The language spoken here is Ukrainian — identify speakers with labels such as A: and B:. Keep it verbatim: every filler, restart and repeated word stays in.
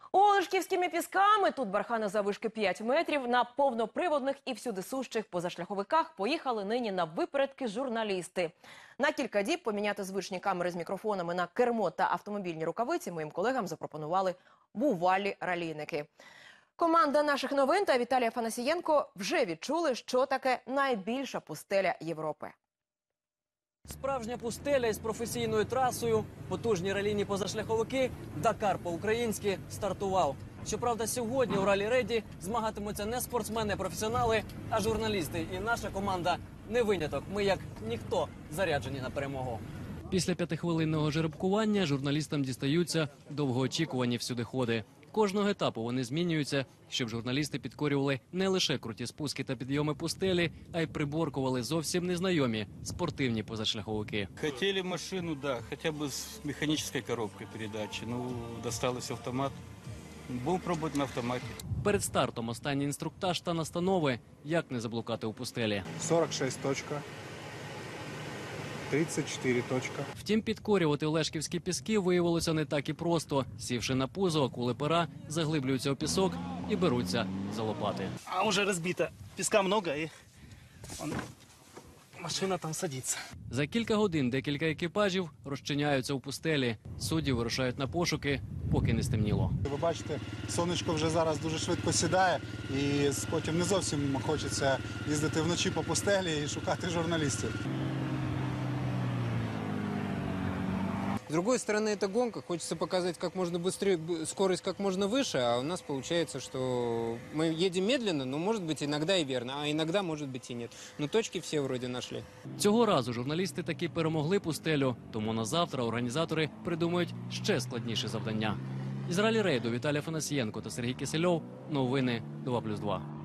A: Олешківськими пісками, тут бархани заввишки п'ять метрів, на повноприводних і всюдисущих позашляховиках поїхали нині на випередки журналісти. На кілька діб поміняти звичні камери з мікрофонами на кермо та автомобільні рукавиці моїм колегам запропонували бувалі ралійники. Команда наших новин та Віталій Афанасієнко вже відчули, що таке найбільша пустеля Європи.
B: Справжня пустеля із професійною трасою, потужні ралійні позашляховики, Дакар по-українськи стартував. Щоправда, сьогодні у ралі-рейді змагатимуться не спортсмени-професіонали, а журналісти. І наша команда не виняток. Ми, як ніхто, заряджені на перемогу. Після п'ятихвилинного жеребкування журналістам дістаються довгоочікувані всюдиходи. Кожного етапу вони змінюються, щоб журналісти підкорювали не лише круті спуски та підйоми пустелі, а й приборкували зовсім незнайомі спортивні позашляховики.
C: Хотіли машину, да, хоча б з механічною коробкою передачі. Ну, досталось автомат. Будемо пробувати на автоматі. Перед стартом останній інструктаж та настанови, як не заблукати у пустелі.
D: сорок шесть точка. тридцять чотири точка.
B: Втім, підкорювати олешківські піски виявилося не так і просто. Сівши на пузо, акули пера заглиблюються у пісок і беруться за лопати.
E: А уже разбито. Песка много, и он... машина там садится.
B: За кілька годин декілька екіпажів розчиняються у пустелі. Судді вирушають на пошуки, поки не стемніло.
D: Ви бачите, сонечко вже зараз дуже швидко сідає, і потім не зовсім хочеться їздити вночі по пустелі і шукати журналістів.
F: С другой стороны, это гонка. Хочется показать как можно быстрее, скорость как можно выше, а у нас получается, что мы едем медленно, но может быть иногда и верно, а иногда может быть и нет. Но точки все вроде нашли.
B: Цього разу журналісти таки перемогли пустелю, тому на завтра організатори придумають ще складніше завдання. Із ралі-рейду Віталій Афанасієнко та Сергій Кисельов. Новини два плюс два.